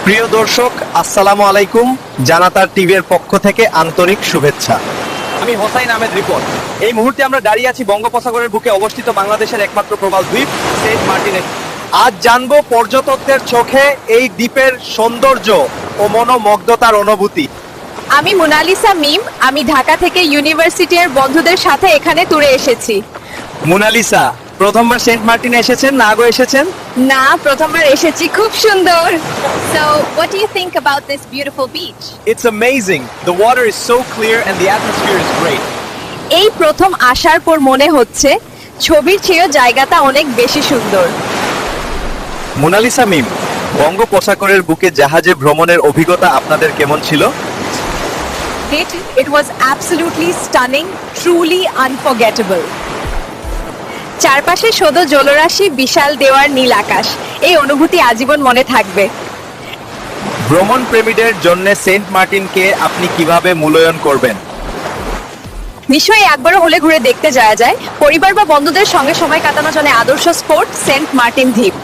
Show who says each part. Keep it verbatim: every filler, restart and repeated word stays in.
Speaker 1: প্রিয় দর্শক, আসসালামু আলাইকুম। জানাতার টিভির পক্ষ থেকে আন্তরিক শুভেচ্ছা। আমি হোসাইন আহমেদ রিপন। এই মুহূর্তে আমরা দাঁড়িয়ে আছি বঙ্গোপসাগরের বুকে অবস্থিত বাংলাদেশের একমাত্র প্রবাল দ্বীপ সেন্ট মার্টিনে। আজ জানবো পর্যটকদের চোখে এই দ্বীপের সৌন্দর্য ও মনোমুগ্ধতার অনুভূতি।
Speaker 2: আমি মোনালিসা মিম। আমি ঢাকা থেকে ইউনিভার্সিটির বন্ধুদের সাথে এখানে ট্যুরে এসেছি।
Speaker 1: মোনালিসা, প্রথমবার সেন্ট মার্টিনে এসেছেন না আগে এসেছেন?
Speaker 2: না, প্রথমবার এসেছি। খুব সুন্দর। So, what do you think about this beautiful beach?
Speaker 1: It's amazing. The water is so clear and the atmosphere is great.
Speaker 2: এই প্রথম আসার পর মনে হচ্ছে ছবির চেয়েও জায়গাটা অনেক বেশি সুন্দর।
Speaker 1: মোনালিসা মিম, বঙ্গোপসাগরের বুকে জাহাজে ভ্রমণের অভিজ্ঞতা আপনাদের কেমন ছিল?
Speaker 2: It, it was absolutely stunning, truly unforgettable. চারপাশে শুধু জলরাশি, বিশাল দেওয়ার নীল আকাশ। এই অনুভূতি আজীবন মনে থাকবে।
Speaker 1: ভ্রমণ প্রেমীদের জন্য সেন্ট মার্টিনকে আপনি কিভাবে মূল্যায়ন করবেন?
Speaker 2: নিশ্চয়ই একবারও হলে ঘুরে দেখতে যাওয়া যায়। পরিবার বা বন্ধুদের সঙ্গে সময় কাটানোর জন্য আদর্শ স্পট সেন্ট মার্টিন দ্বীপ।